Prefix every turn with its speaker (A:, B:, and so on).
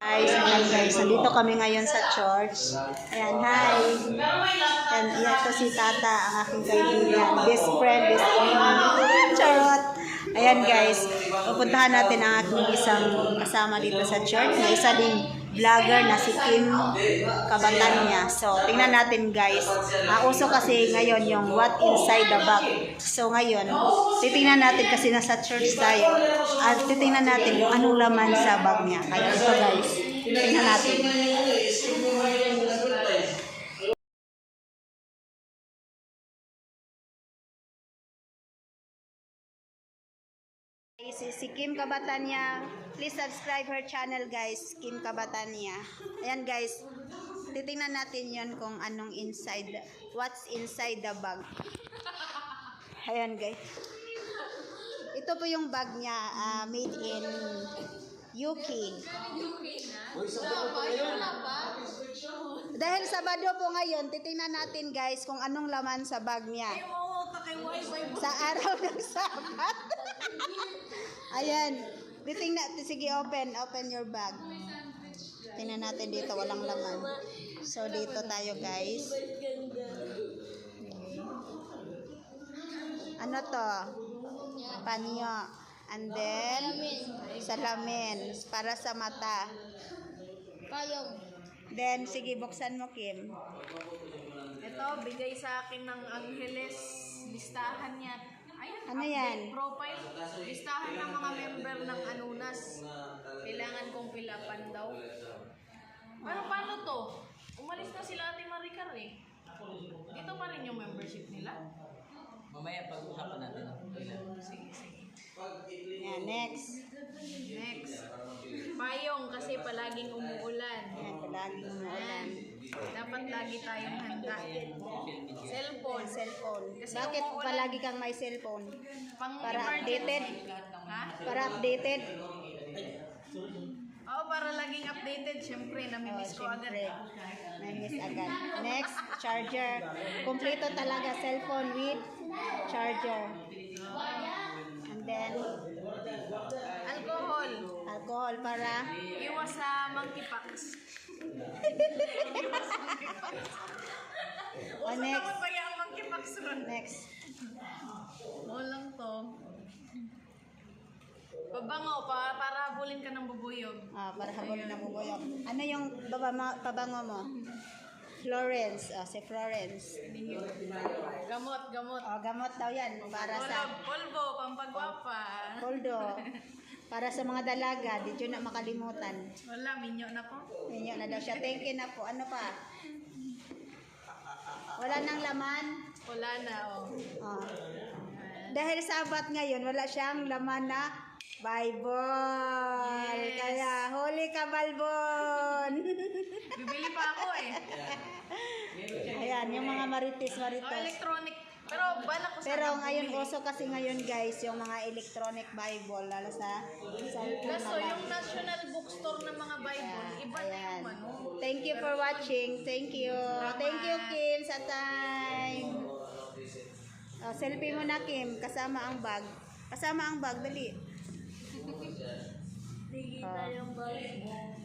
A: Ayan guys, nandito kami ngayon sa church. Ayan, hi. Ayan, ito si Tata, ang aking kaibigan. Best friend, best friend. Charot. Ayan guys, pupuntahan natin ang aking isang kasama dito sa church. May isa ding vlogger na si Kim Kabatanya. So, tingnan natin guys. Uso kasi ngayon yung what inside the bag. So, ngayon, titingnan natin kasi nasa church tayo. At titingnan natin kung anong laman sa bag niya. Kaya ito guys, tingnan natin. Si Kim Kabatanya. Please subscribe her channel guys, Kim Kabatanya. Ayan guys, titingnan natin yon kung anong what's inside the bag. Ayan guys. Ito po yung bag niya, made in UK. Dahil Sabado po ngayon, titingnan natin guys kung anong laman sa bag niya. Sa araw ng Sabat. Ayan. Sige, open your bag. Tingnan natin dito, walang laman. So, dito tayo guys. Ano to? Panyo. And then, salamin. Para sa mata.
B: Payong.
A: Then, sige, buksan mo, Kim.
B: Ito, bigay sa akin ng Angeles. Listahan niya. Ayan,
A: Ano yan?
B: Profile. Listahan ng mga member ng Anunas. Kailangan kong pilapan daw. Paano to? Umalis na sila Ate Maricar eh. Dito pa rin yung membership nila.
C: Mamaya pag-usapan natin ang ilan.
B: Sige.
A: Yan, next.
B: Payong kasi palaging umuulan.
A: Yan, palaging umuulan.
B: Dapat lagi tayong handa. Cellphone. Kasi
A: Bakit
B: umuulan.
A: palagi kang may cellphone?
B: Pang
A: Para
B: emergency.
A: updated?
B: Ha?
A: Para updated?
B: Oo, para laging updated. Siyempre, namimiss ko agad.
A: Siyempre, na-miss agad. Next, charger. Kompleto talaga, cellphone with charger. And then,
B: Alcohol
A: para
B: Iwas sa monkeypox.
A: next.
B: Naman ba yung monkeypox ron?
A: Next.
B: Walang to. Pabango, para habulin ka ng bubuyog.
A: Para habulin na bubuyog. Ano yung pabango mo? Florence. Si Florence.
B: Gamot.
A: Gamot daw yan. Para sa
B: Polvo, pampagwapa.
A: poldo. Para sa mga dalaga. Di yun na makalimutan.
B: Wala, minyo na po.
A: Ninyo na daw siya. Thank you na po. Ano pa? Wala nang laman.
B: Wala na,
A: Dahil Sabat ngayon, wala siyang laman na Bible.
B: Yes.
A: Kaya, huli ka, Balbon.
B: Bibili pa ako eh.
A: Ayan, yung mga marites.
B: Electronic. Pero balak ko
A: Pero
B: sana
A: ngayon,
B: bumili.
A: uso kasi ngayon guys, yung mga electronic Bible, lalo sa cellphone
B: Kaso
A: na lang.
B: yung national bookstore ng mga Bible, iba na
A: Ayan.
B: yung ano.
A: Thank you for watching. Thank you. Thank you, Kim, sa time. Selfie mo na, Kim. Kasama ang bag. Dali.
B: Sige tayong bag.